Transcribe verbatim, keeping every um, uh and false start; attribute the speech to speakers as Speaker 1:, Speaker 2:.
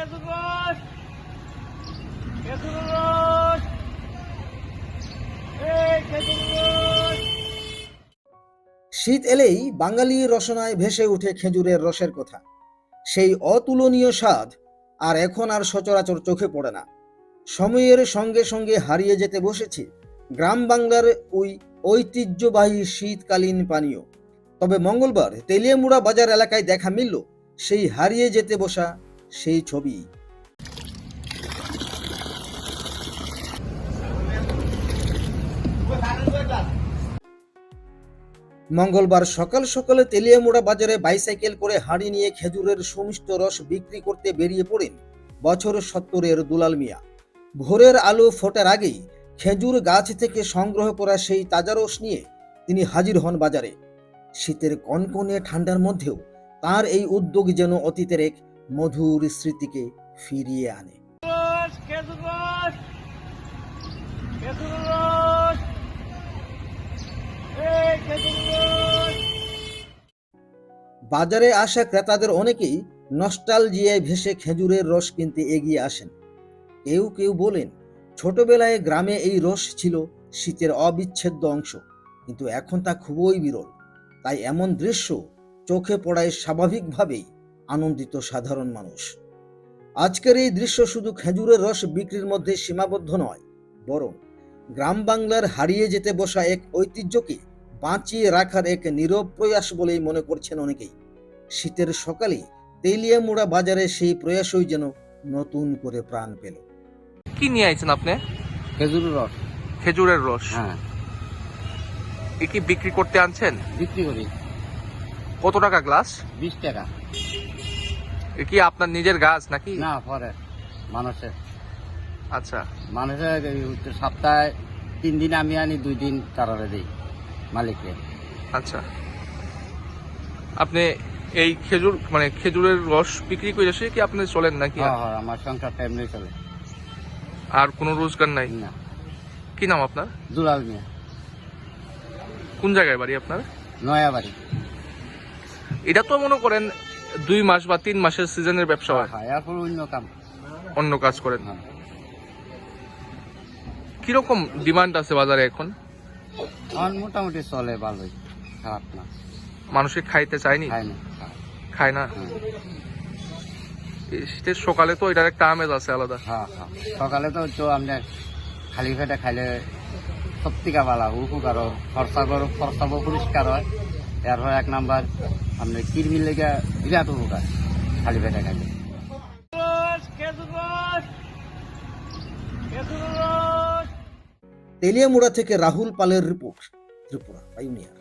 Speaker 1: শীত এলেই বাঙালির রসনায় ভেসে ওঠে খেজুরের রসের কথা। সেই অতুলনীয় স্বাদ আর এখন আর সচরাচর চোখে পড়ে না। সময়ের সঙ্গে সঙ্গে হারিয়ে যেতে বসেছে গ্রাম বাংলার ওই ঐতিহ্যবাহী শীতকালীন পানীয়। তবে মঙ্গলবার তেলিয়ামুড়া বাজার এলাকায় দেখা মিলল সেই হারিয়ে যেতে বসা সেই ছবি। মঙ্গলবার সকাল সকালে তেলিয়ামুড়া বাজারে বাইসাইকেল করে হাঁড়ি নিয়ে খেজুরের সুমিষ্ট রস বিক্রি করতে বেরিয়ে পড়েন বছর সত্তরের দুলাল মিয়া। ভোরের আলো ফোটার আগেই খেজুর গাছ থেকে সংগ্রহ করা সেই তাজা রস নিয়ে তিনি হাজির হন বাজারে। শীতের কনকনে ঠান্ডার মধ্যেও তার এই উদ্যোগ যেন অতীতের এক মধুর স্মৃতিকে ফিরিয়ে আনে। বাজারে আসা ক্রেতাদের অনেকেই নস্টালজিয়ায় ভেসে খেজুরের রস কিনতে এগিয়ে আসেন। কেউ কেউ বলেন, ছোটবেলায় গ্রামে এই রস ছিল শীতের অবিচ্ছেদ্য অংশ, কিন্তু এখন তা খুবই বিরল। তাই এমন দৃশ্য চোখে পড়ায় স্বাভাবিকভাবেই আনন্দিত সাধারণ মানুষ। আজকের এই দৃশ্য শুধু খেজুরের রস বিক্রির মধ্যে সীমাবদ্ধ নয়, বরং গ্রাম বাংলার হারিয়ে যেতে বসা এক ঐতিহ্যকে বাঁচিয়ে রাখার এক নীরব প্রয়াস বলেই মনে করছেন অনেকেই। শীতের সকালে তেলিয়ামুড়া বাজারে সেই প্রয়াসই যেন নতুন করে প্রাণ পেল।
Speaker 2: কি নিয়ে আইছেন আপনি?
Speaker 3: খেজুরের রস।
Speaker 2: খেজুরের রস?
Speaker 3: হ্যাঁ।
Speaker 2: এ কি বিক্রি করতে আনছেন?
Speaker 3: বিক্রি করি।
Speaker 2: কত টাকা গ্লাস?
Speaker 3: বিশ টাকা।
Speaker 2: এ কি আপনার নিজের গাছ নাকি?
Speaker 3: না, পরে মানুষের।
Speaker 2: আচ্ছা।
Speaker 3: মানুষের সপ্তাহে তিন দিন আমি আনি, দুই দিন তারারে দিই মালিককে।
Speaker 2: আচ্ছা, আপনি এই খেজুর মানে খেজুরের রস বিক্রি করে এসে কি আপনি চলেন নাকি?
Speaker 3: হ্যাঁ হ্যাঁ, আমার সংসারটা এমনি চলে।
Speaker 2: আর কোনো রোজগার নাই?
Speaker 3: না।
Speaker 2: কি নাম আপনার?
Speaker 3: দুলাল মিয়া।
Speaker 2: কোন জায়গায় বাড়ি আপনার?
Speaker 3: নয়া বাড়ি।
Speaker 2: এটা তো মনে করেন দুই মাস বা তিন মাসের সিজনের ব্যবসা হয়।
Speaker 3: হ্যাঁ, এরপর অন্য কাম,
Speaker 2: অন্য কাজ করেন।
Speaker 3: হ্যাঁ।
Speaker 2: কিরকম ডিমান্ড আছে বাজারে এখন?
Speaker 3: আমার মোটামুটি চলে ভালোই, খারাপ না।
Speaker 2: মানুষে খাইতে চায়নি?
Speaker 3: খায় না।
Speaker 2: খায় না?
Speaker 3: হ্যাঁ।
Speaker 2: এই শীতের সকালে তো এটার একটা আমেজ আছে আলাদা।
Speaker 3: হ্যাঁ হ্যাঁ, সকালে তো তো আপনি খালি পেটে খাইলে সব থেকে ভালো উপকার হয়, খরচা করো, খরচাও পরিষ্কার হয়। এরপর এক নাম্বার আপনার কিরমির লেগে বিরাট উপকার খালি পেটে খাইলে।
Speaker 1: তেলিয়ামুড়া থেকে রাহুল পালের রিপোর্ট, ত্রিপুরা পাইওনিয়ার।